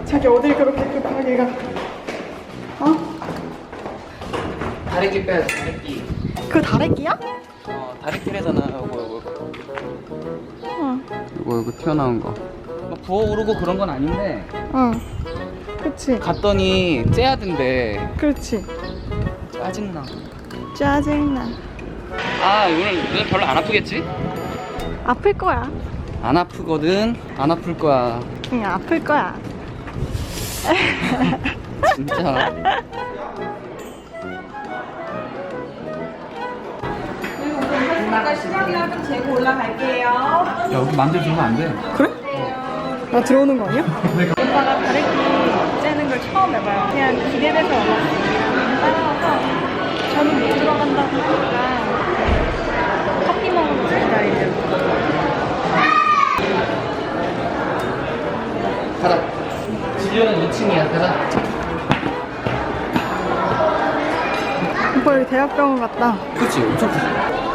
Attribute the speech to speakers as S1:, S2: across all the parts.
S1: 자기 어딜 그렇게 급하게 가? 어?
S2: 다래끼 빼야지, 다래끼.
S1: 그 다래끼야?
S2: 다래끼래잖아. 이거.
S1: 응.
S2: 이거 튀어나온 거. 막 부어오르고 그런 건 아닌데.
S1: 응. 그치.
S2: 갔더니 째야된대.
S1: 그렇지.
S2: 짜증나.
S1: 짜증나.
S2: 아, 오늘 별로 안 아프겠지?
S1: 아플 거야.
S2: 안 아프거든. 안 아플 거야.
S1: 응, 아플 거야.
S2: 진짜.
S3: 이따가 시간이랑 좀 재고 올라갈게요.
S2: 야, 여기 만져주면 안 돼.
S1: 그래? 나 들어오는 거 아니야? 오빠가 다래끼 째는 걸 처음 해봐요. 그냥 기대돼서 와봤어요. 따라와서 저는 못 들어간다고 하니까 커피 먹으면서 기다리려고.
S2: 가자. 진료는 2층이야. 가자.
S1: 오빠 여기 대학병원 같다.
S2: 그치? 엄청 크지?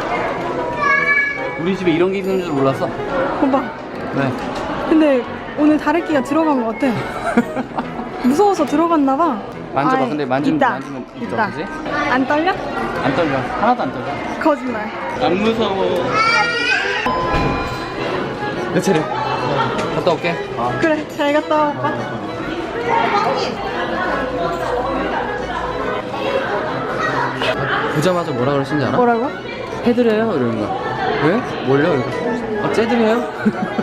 S2: 우리 집에 이런 게 있는 줄 몰랐어.
S1: 오빠,
S2: 왜?
S1: 근데 오늘 다래끼가 들어간 것 같아. 무서워서 들어갔나 봐.
S2: 만져봐.
S1: 아이,
S2: 근데 만지면
S1: 있다.
S2: 있어,
S1: 있다.
S2: 그지?
S1: 안 떨려?
S2: 안 떨려. 하나도 안 떨려.
S1: 거짓말.
S2: 안 무서워. 내 차례. 갔다 올게.
S1: 그래, 잘 갔다 와, 오빠.
S2: 보자마자 뭐라 그러신지 알아?
S1: 뭐라고?
S2: 해드려요? 이러는 거야. 왜? 뭘요? 이러고. 째드려요?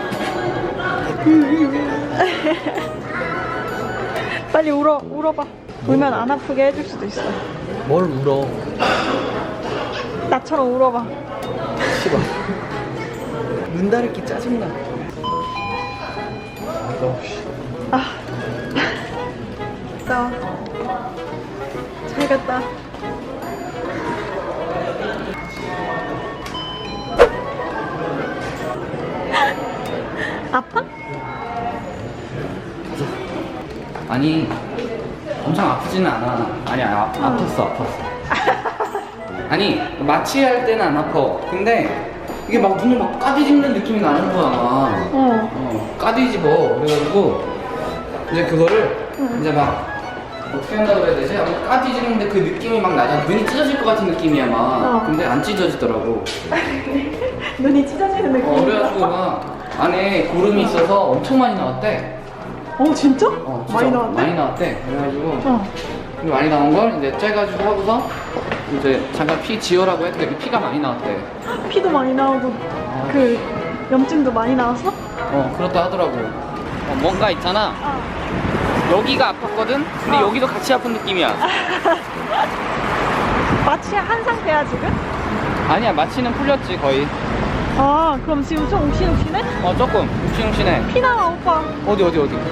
S1: 빨리 울어봐. 울면 안 아프게 해줄 수도 있어.
S2: 뭘 울어?
S1: 나처럼 울어봐.
S2: 싫어. 눈 다르기 짜증나.
S1: 아. 나. 잘 갔다. 아파?
S2: 아니, 엄청 아프지는 않아. 아니, 아팠어. 아니, 마취할 때는 안 아파. 근데 이게 막 눈을 막 까디집는 느낌이 나는 거야. 까디집어. 그래가지고 이제 그거를 이제 막 어떻게 한다고 해야 되지? 아마 까디집는데 그 느낌이 막 나잖아. 눈이 찢어질 것 같은 느낌이야 막. 근데 안 찢어지더라고.
S1: 눈이 찢어지는 느낌.
S2: 그래가지고 막 안에 고름이 있어서 엄청 많이 나왔대.
S1: 진짜?
S2: 진짜
S1: 많이 나왔네?
S2: 많이 나왔대. 그래가지고 많이 나온 걸 이제 째가지고 하고서 이제 잠깐 피 지우라고 했더니 피가 많이 나왔대.
S1: 피도 많이 나오고 그 염증도 많이 나왔어?
S2: 그렇다 하더라고. 뭔가 있잖아. 여기가 아팠거든? 근데 여기도 같이 아픈 느낌이야.
S1: 마취한 상태야 지금?
S2: 아니야, 마취는 풀렸지 거의.
S1: 그럼 지금 좀 욱신욱신해?
S2: 조금 욱신욱신해.
S1: 피 나와 오빠.
S2: 어디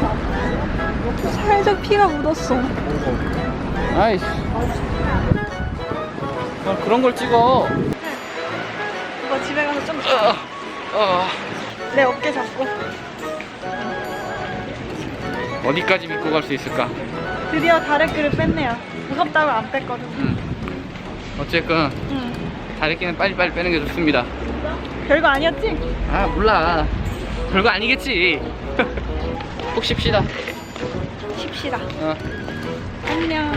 S1: 살짝 피가 묻었어.
S2: 아이씨. 그런 걸 찍어.
S1: 오빠 집에 가서 좀 자. 내 어깨 잡고.
S2: 어디까지 믿고 갈 수 있을까?
S1: 드디어 다래끼를 뺐네요. 무섭다고 안 뺐거든.
S2: 어쨌건 다래끼는 빨리빨리 빼는 게 좋습니다.
S1: 별거 아니었지?
S2: 몰라. 별거 아니겠지. 푹 쉽시다.
S1: 쉽시다. 안녕.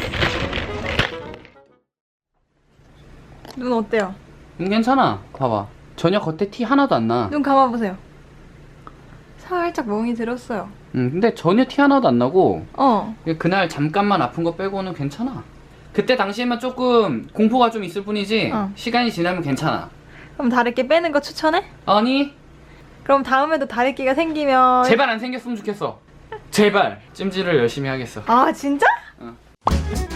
S1: 눈 어때요?
S2: 괜찮아. 봐봐. 전혀 겉에 티 하나도 안 나.
S1: 눈 감아보세요. 살짝 멍이 들었어요.
S2: 근데 전혀 티 하나도 안 나고
S1: 어.
S2: 그날 잠깐만 아픈 거 빼고는 괜찮아. 그때 당시에만 조금 공포가 좀 있을 뿐이지 시간이 지나면 괜찮아.
S1: 그럼 다래끼 빼는 거 추천해?
S2: 아니,
S1: 그럼 다음에도 다래끼가 생기면
S2: 제발 안 생겼으면 좋겠어. 제발 찜질을 열심히 하겠어.
S1: 진짜?
S2: 응.